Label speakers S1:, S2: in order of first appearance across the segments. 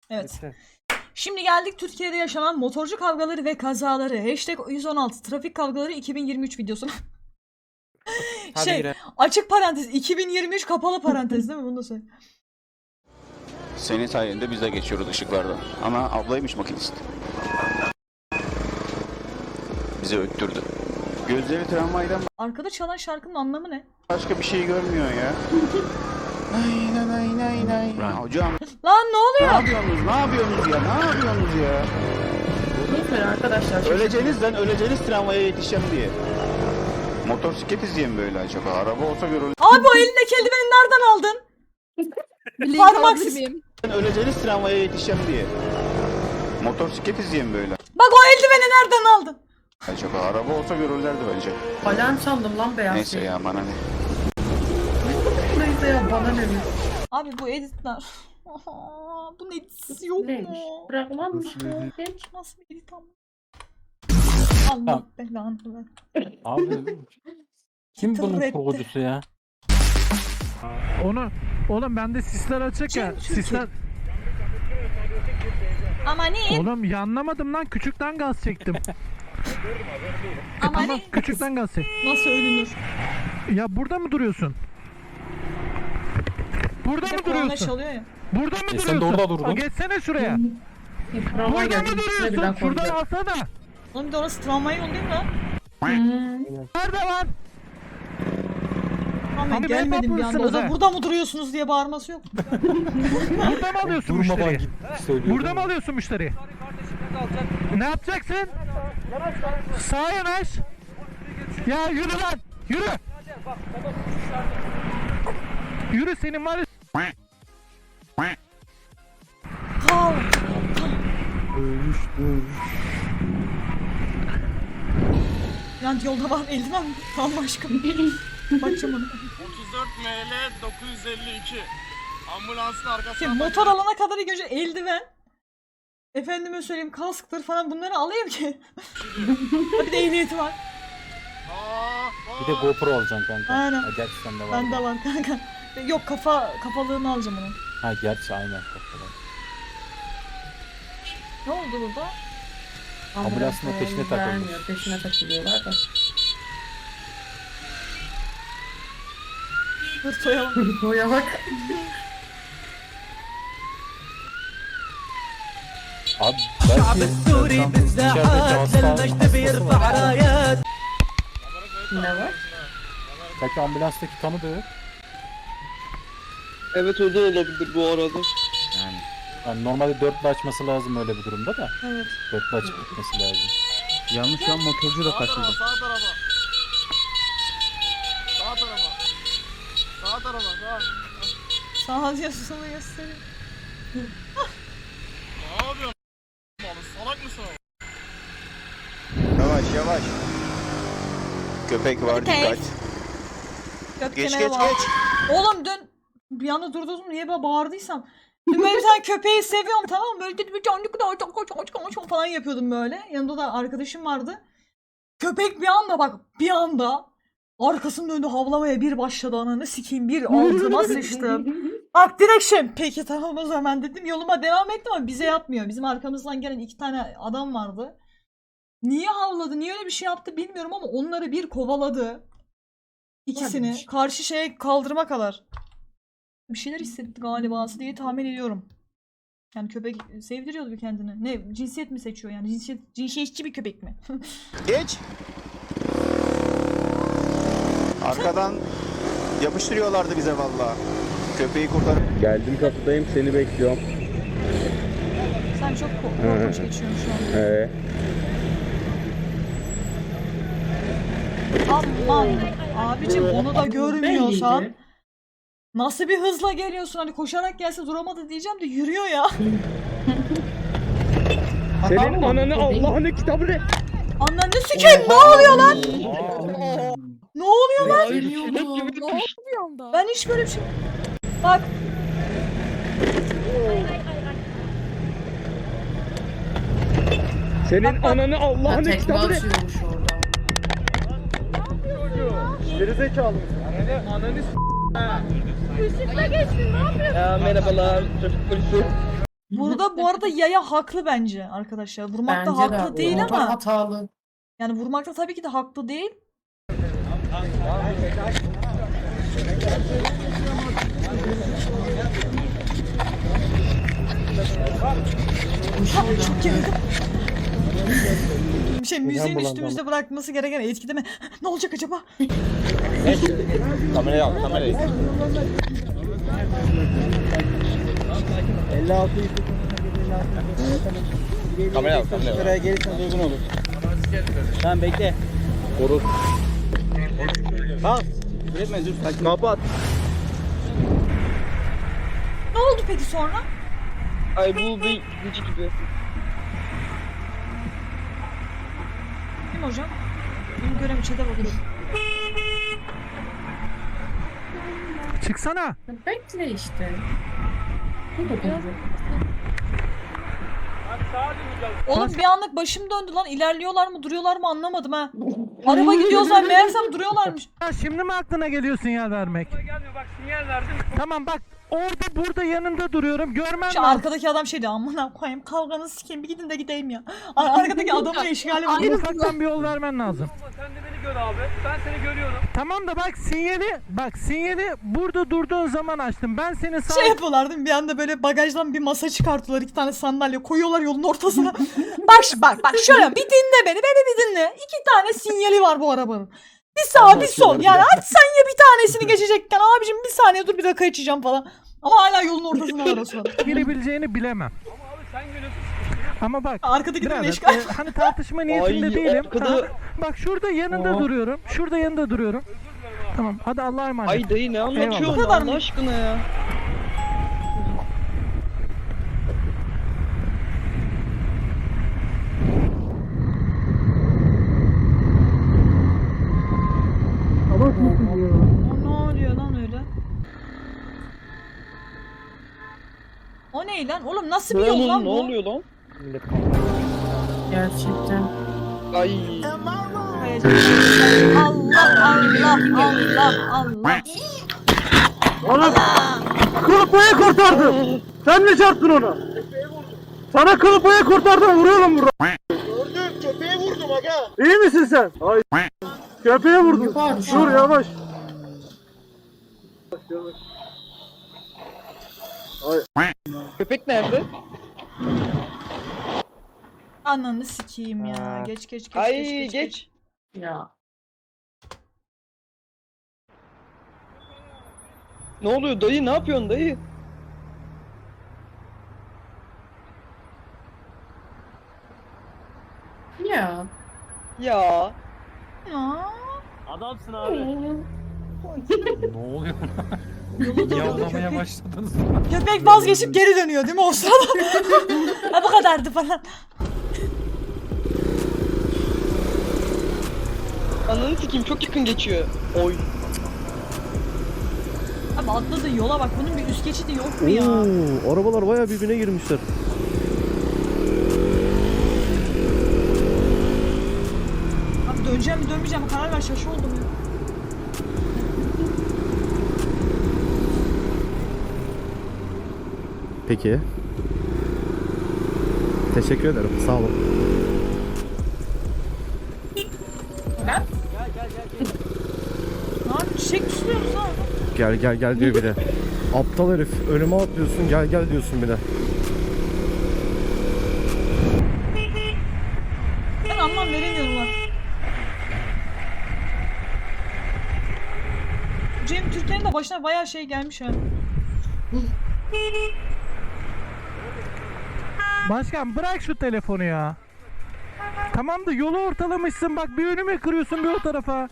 S1: Evet.
S2: Lütfen.
S1: Şimdi geldik Türkiye'de yaşanan motorcu kavgaları ve kazaları. #116 trafik kavgaları 2023 videosuna.
S2: Hadi girelim.
S1: Açık parantez 2023 kapalı parantez değil mi? Bunu da söyle.
S3: Senin sayende biz de geçiyoruz ışıklardan. Ama ablaymış makinist. Bizi öttürdü. Gözleri tramvaydan
S1: Arkada çalan şarkının anlamı ne?
S3: başka bir şey görmüyor ya. Aynen aynen. Hocam
S1: Lan ne
S3: ne
S1: oluyor?
S3: yapıyorsunuz? Ne yapıyorsunuz ya? Ne yapıyorsunuz ya?
S4: Lütfen arkadaşlar.
S3: Öleceğiniz lan, öleceğiniz tramvaya yetişeceğim diye. Motosiklet izleyen böyle acaba? Araba olsa görülür.
S1: Abi o elindeki eldiveni nereden aldın? Parmaksız.
S3: Öleceğiniz tramvaya yetişeceğim diye. Motosiklet izleyen böyle
S1: Bak o eldiveni nereden aldın?
S3: acaba? Araba olsa görürlerdi bence.
S4: Alarm sandım lan beyaz.
S3: Neyse ya, bana ne?
S4: Neyse ya bana ne?
S1: Abi bu editler. Bu editsiz yok
S4: Neymiş?
S1: mu?
S4: Bırakmam mı?
S1: Nasıl bir edit ama? Allah
S2: Tamam.
S1: belanı ver.
S2: Abi kim bunun
S1: Turretti.
S2: kurgucusu ya?
S5: Onu oğlum bende sisler açık ya.
S1: Çünkü-
S5: Sisler.
S1: Ama ne?
S5: Oğlum yanlamadım lan, küçükten gaz çektim.
S1: Ama
S5: Tamam,
S1: ne?
S5: küçükten gaz çek.
S1: Nasıl ölünür?
S5: Ya burada mı duruyorsun? Burada
S1: Bir de
S5: mı
S1: korna
S5: duruyorsun?
S1: çalıyor ya.
S5: Burada mı
S2: sen de
S5: duruyorsun?
S2: orada durdun.
S5: Ha, geçsene şuraya.
S4: Bravo
S5: Burada
S4: geldi.
S5: mı
S4: İkisine birden
S5: duruyorsun? Şuradan
S4: koydu.
S5: alsana.
S1: Oğlum bir de orası tramvay yolu değil mi lan?
S5: Nerede lan?
S1: Tamam
S5: Hani
S1: gelmedim bir anda. O da
S5: mısınız
S1: burada mı duruyorsunuz diye bağırması yok mu?
S5: Burada mı alıyorsun
S2: Durmadan
S5: müşteriyi?
S2: git söylüyor.
S5: Burada mı alıyorsun müşteriyi? Ne yapacaksın? Sağa yanaş. Ya yürü lan. Yürü. Yürü, senin var ya.
S1: Kav.
S2: Dövüş.
S1: Yani yolda var eldiven mi? Tamam aşkım. Bakacağım onu.
S6: 34 ML 952. Ambulansın arkasına.
S1: Şimdi motor alana kadar ilk önce eldiven. Efendime söyleyeyim kasktır falan bunları alayım ki. Bir de ehliyeti var.
S2: Bir de GoPro alacaksın kanka.
S1: Aynen.
S2: Ha, gerçi sende var.
S1: Bende var kanka. Yok kafalığını alacağım onu.
S2: Ha gerçi aynen kafadan.
S1: Ne oldu burada?
S2: Ambulansın da peşine takılmış.
S4: Vermiyor, peşine takılıyorlar da.
S1: Hırtoya bak.
S4: Boya bak.
S2: Abi belki içerideki hasta
S4: Ne var?
S2: belki ambulanstaki tanıdığı.
S7: Evet, o da olabilir bu arada.
S2: Yani normalde dörtlü açması lazım öyle bir durumda da.
S1: Evet.
S2: Dörtlü açıp gitmesi lazım.
S7: Yanlış, şu an motorcu da kaçırdı.
S6: Sağ tarafa. Sağ tarafa. Sağ tarafa. Sağ.
S1: Sağ yazısını göstereyim.
S6: Ne yapıyorsun? Salak mısın oğlum?
S3: Yavaş yavaş. Köpek var,
S1: Köpek.
S3: dikkat.
S1: Gökçe'ne
S3: Geç
S1: bak.
S3: geç.
S1: Oğlum dün bir anda durdum niye böyle bağırdıysam. Dün böyle bir tane köpeği seviyorum tamam mı? Böyle dedi bir canlı kadar falan yapıyordum böyle. Yanımda da arkadaşım vardı. Köpek bir anda bak bir anda arkasını döndü havlamaya bir başladı ananı sikeyim bir altıma sıçtım. Bak direkt peki tamam o zaman dedim yoluma devam ettim ama bize yapmıyor. Bizim arkamızdan gelen 2 tane adam vardı. Niye havladı niye öyle bir şey yaptı bilmiyorum ama onları bir kovaladı. İkisini karşı şeye kaldırma kadar. Bir şeyler hissetti galiba diye tahmin ediyorum. Yani köpek sevdiriyordu kendini. Ne cinsiyet mi seçiyor yani cinsiyetçi bir köpek mi?
S3: Geç. Arkadan yapıştırıyorlardı bize vallahi. Köpeği kurtarıp.
S7: Geldim, kapıdayım, seni bekliyorum.
S1: Sen çok korkunç geçiyorsun şu an. Aman abicim onu da görmüyorsan
S4: Belliydi.
S1: nasıl bir hızla geliyorsun hani koşarak gelse duramadı diyeceğim de yürüyor ya.
S7: Senin ananı Allah'ını kitabını.
S1: Ananı sikeyim ne oluyor lan? Ne oluyor lan? Ben hiç böyle bir şey... Bak.
S7: Senin ananı
S4: Ya
S7: Allah'ını
S4: tekme
S7: kitabını.
S4: atıyormuş orada.
S7: Gerizekalı mısın? Ananı s***. Ya merhabalar, trafik polisi.
S1: Burada bu arada yaya haklı bence arkadaşlar. Vurmakta
S4: Bence de
S1: haklı değil
S4: motor
S1: ama
S4: hatalı.
S1: yani vurmakta tabii ki de haklı değil. Ha, çok yakın. Müziğin üstümüzde bırakması gereken etkide mi? Ne olacak acaba?
S3: Kamerayı al, kamerayı.
S7: 56
S3: Kamerayı al, kamerayı al.
S7: liraya gelirsen uygun olur. Tamam bekle. Korur. Bas. Üretme dur. Kapat.
S1: Ne oldu peki sonra?
S8: Ay bu bir gücü gibi.
S1: Kim hocam? Bunu göremiyorum. Çete bakıyorum.
S5: Çıksana.
S4: Bekle işte. Bu da olacak.
S1: Oğlum bir anlık başım döndü lan. İlerliyorlar mı duruyorlar mı anlamadım ha. Araba gidiyorlar meğersem duruyorlarmış.
S5: Ha, şimdi mi aklına geliyor sinyal vermek?
S6: Gelmiyor bak sinyal verdim.
S5: Tamam bak orada burada yanında duruyorum görmem
S1: Şu
S5: lazım.
S1: arkadaki adam şey diyor amına koyayım kavganı sikeyim bir gidin de gideyim ya. Arkadaki adamın eşgali var.
S5: Ufaktan bir yol vermen lazım.
S6: Sen de beni gör abi. Ben seni görüyorum.
S5: Tamam da bak sinyali burada durduğun zaman açtım. Ben seni sağ
S1: Şey yapıyorlar değil mi? Bir anda böyle bagajdan bir masa çıkartıyorlar. 2 tane sandalye koyuyorlar yolun ortasına. bak şöyle bir dinle beni bir dinle. 2 tane sinyali var bu arabanın. Bir sağ bir sol. Yani hadi sen ya bir tanesini geçecekken abicim bir saniye dur bir rakı içeceğim falan. Ama hala yolun ortasında var o sırada.
S5: girebileceğini bilemem.
S6: Ama abi sen görüyorsun.
S5: Ama bak
S1: Arkadaki de
S5: birader,
S1: eşgal.
S5: hani tartışma niyetinde
S8: Ay,
S5: değilim.
S8: arkada-
S5: Tamam. Bak şurada yanında duruyorum. Şurada yanında duruyorum. Tamam hadi Allah'a emanet.
S8: Ay dayı ne anlatıyorsun
S1: Bu kadar mı?
S8: Allah aşkına ya.
S1: O ne oluyor lan öyle? O ne lan? Oğlum nasıl bir yol lan
S8: Ne
S1: bu?
S8: oluyor lan?
S4: Gerçekten.
S8: Ay.
S1: Allah.
S5: Oğlum kılıpayı kurtardım. Sen mi çarptın onu? Sana kılıpayı kurtardım vuruyorum burada.
S6: Gördüm köpeğe vurdum aga.
S5: İyi misin sen? Ay köpeğe vurdun.
S4: Yukarı şu
S5: Dur
S4: an.
S5: yavaş.
S8: Köpek nerede?
S1: Ananı sikeyim ya. Geç.
S8: Ay geç.
S4: Ya.
S8: Ne oluyor dayı ne yapıyorsun dayı?
S4: Ya.
S8: Ya.
S1: Ya.
S6: Adamsın abi.
S2: Ne oluyor?
S1: Yolu durdu
S2: Yavlamaya
S1: köpek.
S2: başladınız.
S1: Köpek vazgeçip geri dönüyor değil mi o sırada? Ha bu kadardı falan.
S8: Ananı sikeyim çok yakın geçiyor. Oy.
S1: Abi atladığın yola bak bunun bir üst geçidi yok mu ya?
S7: Arabalar bayağı birbirine girmişler.
S1: Abi döneceğim mi dönmeyeceğim mi karar ver şaşı oldum ya.
S7: Peki. Teşekkür ederim. Sağ olun.
S1: Ne yapayım çiçek mi suluyoruz lan?
S7: Gel diyor bir de. Aptal herif. Önüme atlıyorsun. Gel diyorsun bir de.
S1: Ben anlam veremiyorum lan. Cem Türkiye'nin de başına bayağı şey gelmiş ha.
S5: Başkan bırak şu telefonu ya. Tamam da yolu ortalamışsın bak bir önüme kırıyorsun bir o tarafa.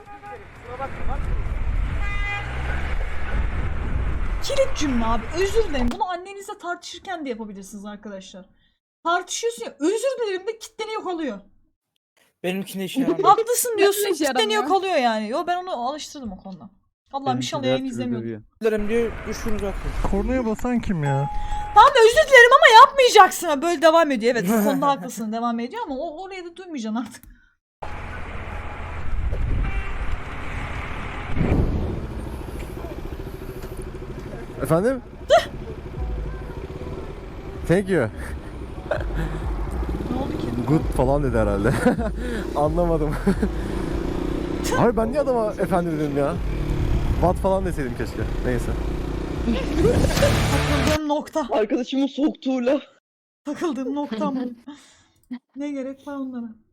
S1: Kilit cümle abi. Özür dilerim. Bunu annenizle tartışırken de yapabilirsiniz arkadaşlar. Tartışıyorsun ya. Özür dilerim de kitleniyor kalıyor.
S9: Benimkine işe yaramıyor.
S1: Haklısın diyorsun
S4: işe
S1: kitleniyor
S4: yaramıyor.
S1: kalıyor yani. Yo ben onu alıştırdım o konuda. Allah'ım inşallah yayını izlemiyordum.
S9: Dilerim diye düşürünce atıyor.
S5: Kornaya basan kim ya?
S1: Tamam özür dilerim ama yapmayacaksın. Ha, böyle devam ediyor. Evet bu konuda haklısın devam ediyor ama oraya da duymayacaksın artık.
S7: Efendim?
S10: Thank you.
S1: Ne oldu ki?
S10: Good falan dedi herhalde. Anlamadım. Abi ben niye adama efendi dedim ya? What falan deseydim keşke. Neyse.
S1: Takıldığım nokta.
S8: Arkadaşımın soktuğu laf.
S1: Takıldığım noktam. Ne gerek var onlara?